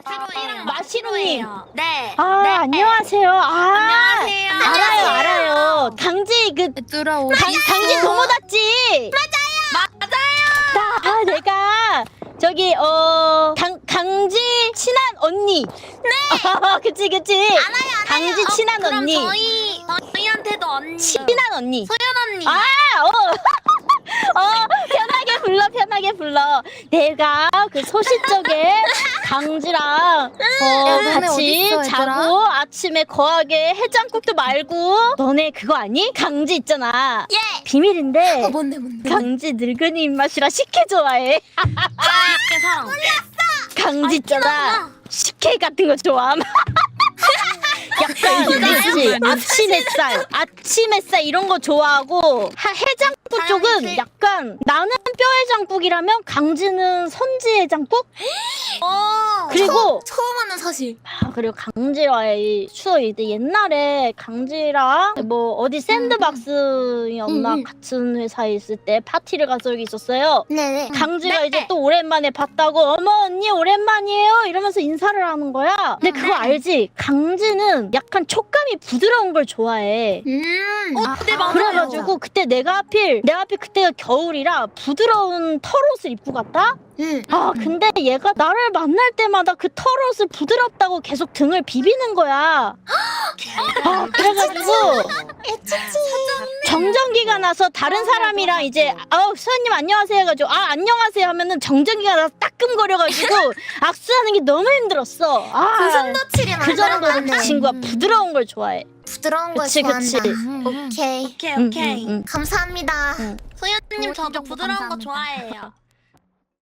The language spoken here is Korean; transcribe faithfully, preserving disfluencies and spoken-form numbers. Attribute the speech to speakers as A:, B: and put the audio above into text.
A: 마시로이랑
B: 마시로님.
A: 네.
B: 아,
A: 네.
B: 안녕하세요. 아,
A: 안녕하세요.
B: 알아요, 알아요. 강지 그
C: 얘들아 어디
B: 강, 강지 도모다치.
A: 맞아요.
B: 아, 내가 저기 어 강, 강지 친한 언니. 네. 그치 그치.
A: 알아요, 알아요.
B: 강지
A: 어,
B: 친한
A: 그럼
B: 언니.
A: 저희 저희한테도 언니.
B: 친한 언니.
A: 소연 언니.
B: 아, 어. 어, 편하게 불러, 편하게 불러. 내가 그 소시적에 강지랑 어,
C: 너네
B: 같이
C: 어딨어, 얘들아?
B: 자고 아침에 거하게 해장국도 말고. 너네 그거 아니? 강지 있잖아.
A: 예.
B: 비밀인데
C: 어 뭔데 뭔데
B: 강지 늙은이 입맛이라 식혜 좋아해.
A: 아, 사람.
B: 강지 있잖아. 식혜 같은 거 좋아함. 약간 그치 아침 햇살 아침 햇살 이런 거 좋아하고 하, 해장국 쪽은
A: 다양하지.
B: 약간 나는 뼈해장국이라면 강지는 선지해장국.
A: 오.
B: 그리고
C: 처음 하는 사실
B: 아, 그리고 강지와의 추억이 있대. 옛날에 강지랑 뭐 어디 샌드박스였나
C: 음, 음.
B: 같은 회사에 있을 때 파티를 간 적이 있었어요.
C: 네네
B: 강지가
A: 네.
B: 이제 또 오랜만에 봤다고 어머 언니 오랜만이에요 이러면서 인사를 하는 거야. 근데 그거 알지? 강지는 약간 촉감이 부드러운 걸 좋아해.
C: 음
A: 어, 네, 맞아요.
B: 그래가지고 그때 내가 하필 내가 하필 그때가 겨울이라 부드러운 털옷을 입고 갔다?
C: 음.
B: 아 근데 얘가 나를 만날 때마다 그 털옷을 부드럽다고 계속 등을 비비는 거야. 아 그래가지고 정전기가 나서 다른 사람이랑 이제 아 수아님 안녕하세요 해가지고 아 안녕하세요 하면은 정전기가 나서 따끔거려가지고 악수하는 게 너무 힘들었어. 아
C: 고슴도치를
B: 그 정도로 그
C: 만들어봤네.
B: 친구가 부드러운 걸 좋아해.
C: 부드러운 걸
B: 그치,
C: 좋아한다
B: 그치.
C: 오케이
A: 오케이
B: 응,
A: 오케이.
B: 응, 응.
C: 감사합니다
B: 응.
A: 소연님 저도
C: 정보
A: 부드러운 거
C: 감사합니다.
A: 좋아해요.